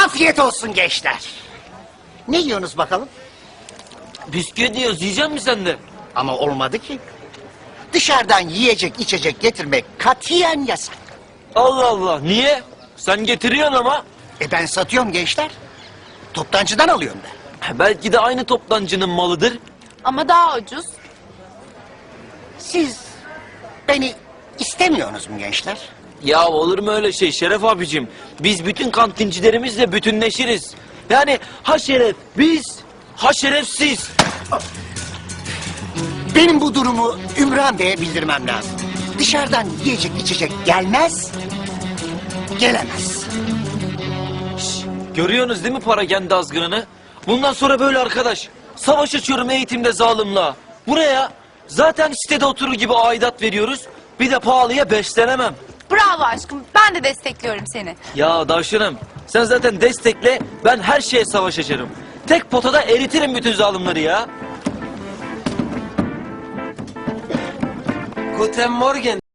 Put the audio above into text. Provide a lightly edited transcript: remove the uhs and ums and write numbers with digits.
Afiyet olsun gençler. Ne yiyorsunuz bakalım? Bisküvi diyoruz, yiyecek misin sen de? Ama olmadı ki. Dışarıdan yiyecek içecek getirmek katiyen yasak. Allah Allah, niye? Sen getiriyorsun ama. Ben satıyorum gençler. Toptancıdan alıyorum ben. Belki de aynı toptancının malıdır. Ama daha ucuz. Siz beni istemiyorsunuz mu gençler? Ya olur mu öyle şey Şeref abicim? Biz bütün kantincilerimizle bütünleşiriz. Yani ha şeref biz, ha şerefsiz. Benim bu durumu Ümran Bey'e bildirmem lazım. Dışarıdan yiyecek içecek gelmez, gelemez. Görüyorsunuz değil mi para kendi azgınını? Bundan sonra böyle arkadaş. Savaş açıyorum eğitimde zalimle. Buraya zaten sitede oturur gibi aidat veriyoruz. Bir de pahalıya beslenemem. Bravo aşkım. Ben de destekliyorum seni. Ya Davşanım sen zaten destekle, ben her şeye savaş açarım. Tek potada eritirim bütün zalimleri ya. Guten Morgen.